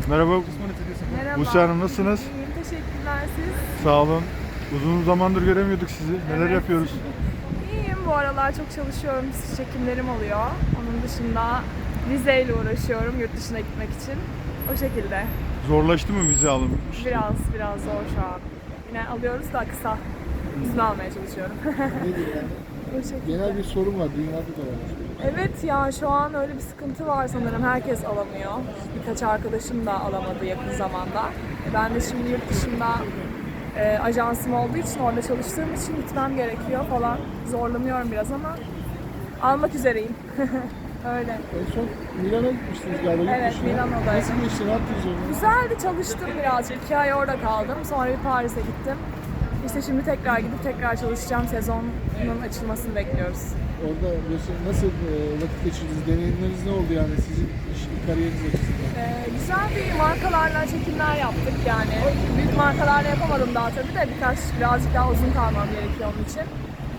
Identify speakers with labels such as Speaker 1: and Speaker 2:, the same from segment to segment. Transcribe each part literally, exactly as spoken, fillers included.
Speaker 1: Merhaba.
Speaker 2: Merhaba.
Speaker 1: Buse Hanım nasılsınız?
Speaker 2: İyiyim, teşekkürler siz.
Speaker 1: Sağ olun. Uzun zamandır göremiyorduk sizi. Neler
Speaker 2: Evet.
Speaker 1: yapıyoruz?
Speaker 2: İyiyim, bu aralar çok çalışıyorum, çekimlerim oluyor. Onun dışında vize ile uğraşıyorum yurt dışına gitmek için. O şekilde.
Speaker 1: Zorlaştı mı vize alım?
Speaker 2: Biraz biraz zor şu an. Yine alıyoruz da kısa. İzin almaya çalışıyorum.
Speaker 3: Nedir yani?
Speaker 2: O şekilde.
Speaker 3: Genel bir sorun var, dünyada da var.
Speaker 2: Evet ya, şu an öyle bir sıkıntı var sanırım. Herkes alamıyor. Birkaç arkadaşım da alamadı yakın zamanda. E, Ben de şimdi yurt dışında e, ajansım olduğu için, orada çalıştığım için gitmem gerekiyor falan. Zorlanıyorum biraz ama almak üzereyim. Öyle.
Speaker 3: En son Milano'ya gitmiştiniz galiba. yurt
Speaker 2: Evet,
Speaker 3: dışına.
Speaker 2: Milano'daydım.
Speaker 3: Nasıl geçti, ne yaptınız orada?
Speaker 2: Güzeldi, çalıştım birazcık. İki ay orada kaldım. Sonra bir Paris'e gittim. İşte şimdi tekrar gidip tekrar çalışacağım. Sezonun açılmasını bekliyoruz.
Speaker 3: Orada mesela nasıl e, vakit geçirdiniz, deneyimleriniz ne oldu yani sizin iş, kariyeriniz açısından?
Speaker 2: Ee, güzel bir markalarla çekimler yaptık yani. Büyük markalarla yapamadım daha tabii de birkaç, birazcık daha uzun kalmam gerekiyor onun için.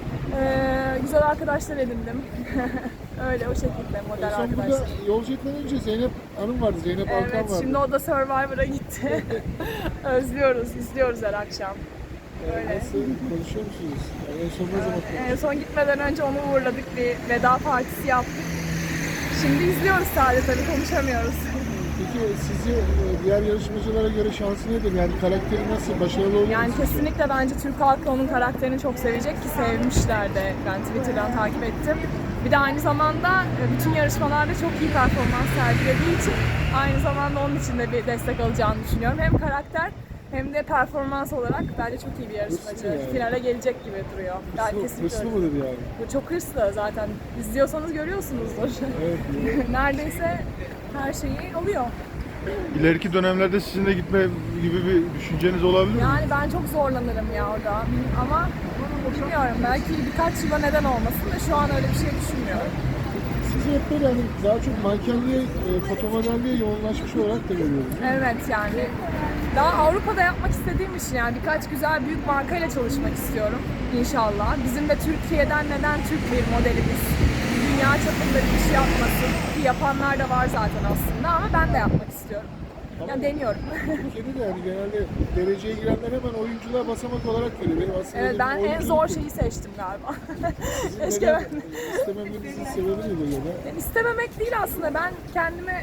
Speaker 2: Ee, güzel arkadaşlar edindim. Öyle o şekilde
Speaker 3: En
Speaker 2: model
Speaker 3: son burada
Speaker 2: arkadaşlar.
Speaker 3: yolcu etmeden önce Zeynep Hanım vardı, Zeynep Alkan
Speaker 2: Evet,
Speaker 3: vardı.
Speaker 2: şimdi o da Survivor'a gitti. Özlüyoruz, izliyoruz her akşam.
Speaker 3: E,
Speaker 2: öyle.
Speaker 3: Nasıl, konuşuyor musunuz? Yani en son ne zaman
Speaker 2: En son gitmeden önce onu uğurladık, bir veda partisi yaptık. Şimdi izliyoruz sadece, tabii konuşamıyoruz.
Speaker 3: Peki sizi e, diğer yarışmacılara göre şansı nedir? Yani karakteri nasıl, başarılı olur
Speaker 2: Yani
Speaker 3: musunuz?
Speaker 2: kesinlikle bence Türk halkı onun karakterini çok sevecek ki sevmişler de. Ben Twitter'dan takip ettim. Bir de aynı zamanda e, bütün yarışmalarda çok iyi performans sergilediği için aynı zamanda onun için de bir destek alacağını düşünüyorum. Hem karakter hem de performans olarak bence çok iyi bir yarışmacı.
Speaker 3: Hırslı yani.
Speaker 2: Finale gelecek gibi duruyor. Ben
Speaker 3: Hırslı,
Speaker 2: kesinlikle
Speaker 3: hırslı
Speaker 2: öyle.
Speaker 3: mıdır yani?
Speaker 2: Bu çok hırslı zaten. İzliyorsanız görüyorsunuzdur.
Speaker 3: Evet.
Speaker 2: Neredeyse her şeyi oluyor.
Speaker 1: İleriki dönemlerde sizinle gitme gibi bir düşünceniz olabilir mi?
Speaker 2: Yani ben çok zorlanırım ya orada. Bil- Ama bilmiyorum, belki birkaç yıla neden olmasın da şu an öyle bir şey düşünmüyorum.
Speaker 3: Sizi hep böyle hani daha çok mankenliğe, e, fotomodelliğe yoğunlaşmış olarak da görüyoruz.
Speaker 2: Evet yani daha Avrupa'da yapmak istediğim için, yani birkaç güzel büyük markayla çalışmak istiyorum inşallah. Bizim de Türkiye'den neden Türk bir modelimiz dünya çapında bir iş yapmasın ki, yapanlar da var zaten aslında, ama ben de yapmak istiyorum. Yani deniyorum.
Speaker 3: Türkiye'de de yani genelde dereceye girenler hemen oyunculuğa basamak olarak görüyor. Benim aslında
Speaker 2: Evet,
Speaker 3: dedim,
Speaker 2: ben en
Speaker 3: oyunculuk
Speaker 2: zor
Speaker 3: değil.
Speaker 2: şeyi seçtim galiba.
Speaker 3: Sizin
Speaker 2: Keşke
Speaker 3: neden
Speaker 2: ben...
Speaker 3: istememenizin sebebi nedir ya da?
Speaker 2: Yani İstememek değil aslında, ben kendimi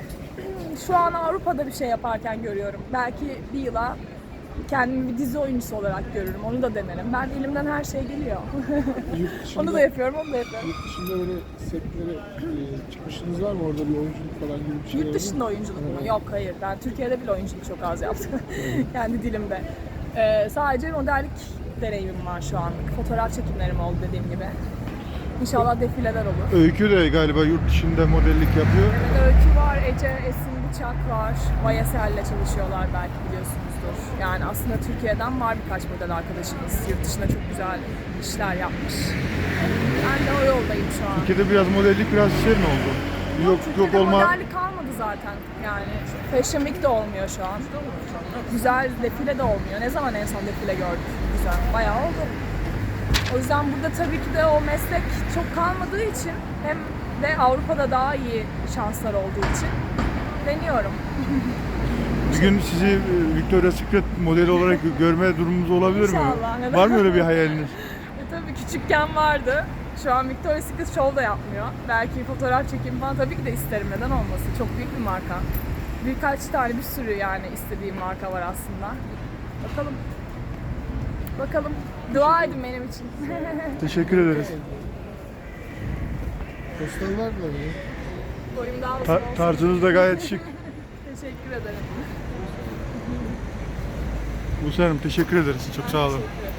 Speaker 2: şu an Avrupa'da bir şey yaparken görüyorum. Belki bir yıla kendimi bir dizi oyuncusu olarak görürüm, onu da denerim. Ben elimden her şey geliyor.
Speaker 3: Yurt dışında,
Speaker 2: Onu da yapıyorum, onu da yapıyorum.
Speaker 3: Yurt dışında böyle setlere e, çıkmışlığınız var mı? Orada bir oyunculuk falan gibi bir şey
Speaker 2: Yurt dışında oyunculuk mu? Yok, hayır. Ben Türkiye'de bile oyunculuk çok az yaptım. Kendi dilimde. Ee, sadece modellik deneyimim var şu anlık. Fotoğraf çekimlerim oldu dediğim gibi. İnşallah defileler olur.
Speaker 1: Öykü de galiba yurt dışında modellik yapıyor.
Speaker 2: Evet, Öykü var, Ece, Esin Bıçak var. Vayesel'le çalışıyorlar, belki biliyorsunuzdur. Yani aslında Türkiye'den var birkaç model arkadaşımız. Yurt dışında çok güzel işler yapmış. Ben de o yoldayım şu an.
Speaker 1: Türkiye'de biraz modellik biraz şey mi oldu? Yok yok
Speaker 2: Türkiye'de
Speaker 1: olma.
Speaker 2: modellik kalmadı zaten. Yani Fashion Week de olmuyor şu an. Güzel defile de olmuyor. Ne zaman en son defile gördük? Güzel. Bayağı oldu. O yüzden burada tabii ki de o meslek çok kalmadığı için, hem de Avrupa'da daha iyi şanslar olduğu için deniyorum.
Speaker 1: Bir gün sizi e, Victoria's Secret modeli olarak görme durumumuz olabilir mi?
Speaker 2: İnşallah, neden?
Speaker 1: Var mı öyle bir hayaliniz?
Speaker 2: E tabii küçükken vardı. Şu an Victoria's Secret Show da yapmıyor. Belki fotoğraf çekimi falan tabii ki de isterim. Neden olmasın? Çok büyük bir marka. Birkaç tane, bir sürü yani istediğim marka var aslında. Bakalım. Bakalım. Dua edin benim için.
Speaker 1: Teşekkür ederiz.
Speaker 3: Postalar da mı?
Speaker 2: Boyum daha uzun
Speaker 1: Ta-
Speaker 2: olsun.
Speaker 1: tarzınız da gayet şık.
Speaker 2: Teşekkür ederim.
Speaker 1: Buse Hanım teşekkür ederiz. Çok sağ olun.
Speaker 2: Teşekkür ederim.